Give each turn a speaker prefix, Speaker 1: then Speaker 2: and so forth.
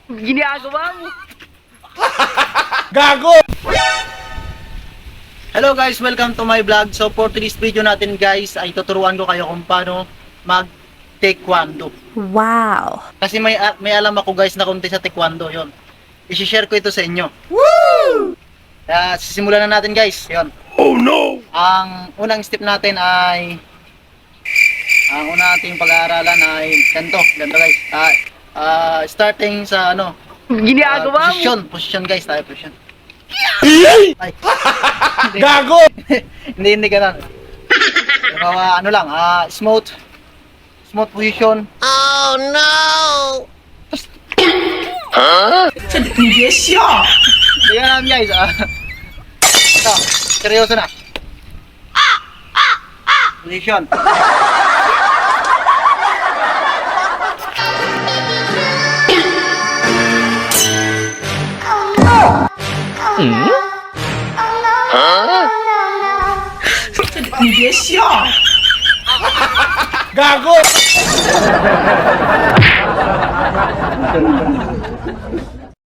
Speaker 1: Ginagawa mo.
Speaker 2: Gago!
Speaker 3: Hello guys, welcome to my vlog. So for today's video natin guys, ay tuturuan ko kayo kung paano mag-taekwondo.
Speaker 4: Wow!
Speaker 3: Kasi may alam ako guys na konti sa taekwondo, yon. I-share ko ito sa inyo.
Speaker 2: Woo!
Speaker 3: Kaya sisimulan na natin guys, yon.
Speaker 2: Oh no!
Speaker 3: Ang unang step natin ay ang una nating pag-aaralan ay ganito guys. Starting sa
Speaker 1: Ginagawa mo.
Speaker 3: position guys, tayo position. Ay.
Speaker 2: Gago!
Speaker 3: hindi ganun. Pero smooth position.
Speaker 4: Oh no!
Speaker 3: Hindi ganun guys. Ito, seryoso na. Position.
Speaker 2: Gago!